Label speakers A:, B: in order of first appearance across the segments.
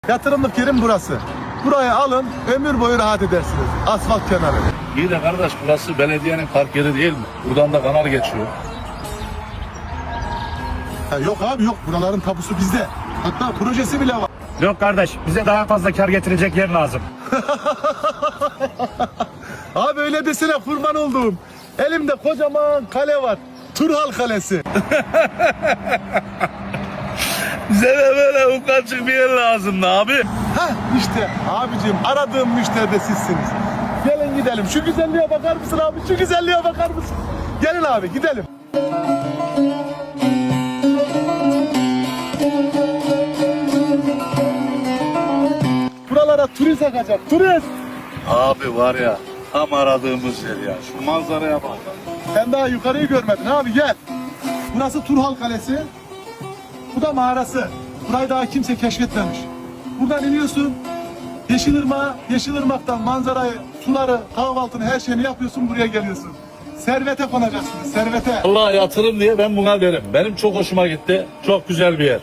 A: Yatırımlık yerim burası. Burayı alın, ömür boyu rahat edersiniz. Asfalt kenarı.
B: İyi de kardeş, burası belediyenin park yeri değil mi? Buradan da kanal geçiyor.
A: Ha, yok abi yok, buraların tapusu bizde. Hatta projesi bile var.
C: Yok kardeş, bize daha fazla kar getirecek yer lazım.
A: Abi öyle desene, kurban olduğum. Elimde kocaman kale var. Turhal Kalesi.
B: Bize de böyle ufacık bir yer lazımdı abi.
A: Hah işte abicim, aradığım müşteri de sizsiniz. Gelin gidelim. Şu güzelliğe bakar mısın abi? Şu güzelliğe bakar mısın? Gelin abi gidelim. Buralara turist akacak. Turist.
B: Abi var ya, tam aradığımız yer ya. Şu manzaraya bak.
A: Sen daha yukarıyı görmedin abi, gel. Burası Turhal Kalesi. Bu da mağarası. Burayı daha kimse keşfetmemiş. Buradan iniyorsun. Yeşilırmak'tan manzarayı, suları, kahvaltını, her şeyini yapıyorsun, buraya geliyorsun. Servete konacaksınız, servete.
B: Allah yatırım diye ben buna derim. Benim çok hoşuma gitti. Çok güzel bir yer.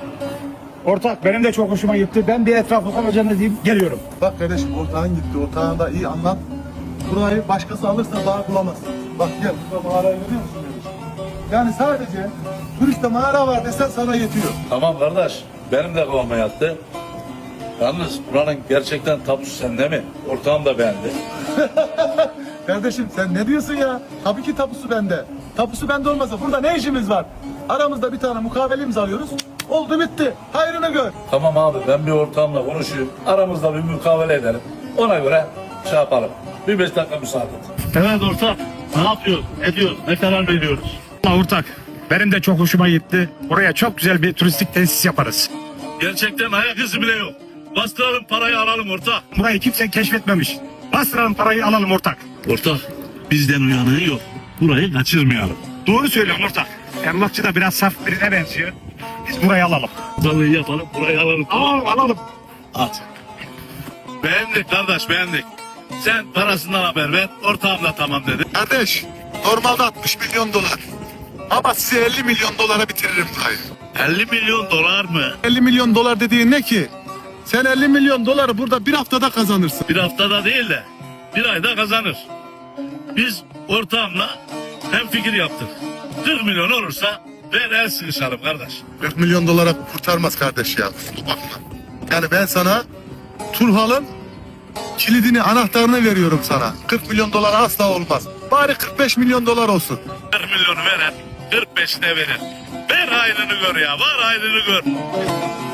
C: Ortak benim de çok hoşuma gitti. Ben bir etrafı kalacağını deyip geliyorum.
A: Bak kardeşim, ortağın gitti, ortağın da iyi anlat. Burayı başkası alırsa daha bulamazsın. Bak gel, burada mağarayı görüyor musun kardeşim? Yani sadece turiste mağara var desen sana yetiyor.
B: Tamam kardeş, benim de kafama yattı. Yalnız buranın gerçekten tapusu sende mi? Ortağım da beğendi.
A: Kardeşim sen ne diyorsun ya? Tabii ki tapusu bende. Tapusu bende olmasa burada ne işimiz var? Aramızda bir tane mukavele imzalıyoruz. Oldu bitti. Hayrını gör.
B: Tamam abi, ben bir ortağımla konuşayım. Aramızda bir mukavele edelim. Ona göre şey yapalım. Bir 5 dakika müsaade et.
D: Evet ortak. Ne yapıyoruz? Ediyoruz. Ne karar veriyoruz?
C: Allah ortak, benim de çok hoşuma gitti. Buraya çok güzel bir turistik tesis yaparız.
D: Gerçekten ayak izi bile yok. Bastıralım parayı alalım ortak.
C: Burayı kimse keşfetmemiş. Bastıralım parayı alalım ortak.
D: Ortak. Bizden uyanığı yok. Burayı kaçırmayalım.
C: Doğru söylüyorsun ortak. Emlakçı da biraz saf birine benziyor. Biz burayı alalım.
D: Vallahi yapalım. Burayı alalım.
C: Alalım.
D: At. Beğendik kardeş, beğendik. Sen parasından haber ver. Ortağım da tamam dedi.
A: Kardeş, normalde 60 milyon dolar. Ama size 50 milyon dolara bitiririm burayı.
D: 50 milyon dolar mı?
A: 50 milyon dolar dediğin ne ki? Sen 50 milyon doları burada bir haftada kazanırsın.
D: Bir haftada değil de bir ayda kazanır. Biz ortağımla hem fikir yaptık. 40 milyon olursa ver el sıkışalım kardeş.
A: 40 milyon dolara kurtarmaz kardeş ya. Kusura bakma. Yani ben sana Turhal'ın kilidini, anahtarını veriyorum sana. 40 milyon dolar asla olmaz. Bari 45 milyon dolar olsun.
D: 40 milyonu veren 45'ine verir. Ver hayrını gör ya, var hayrını gör.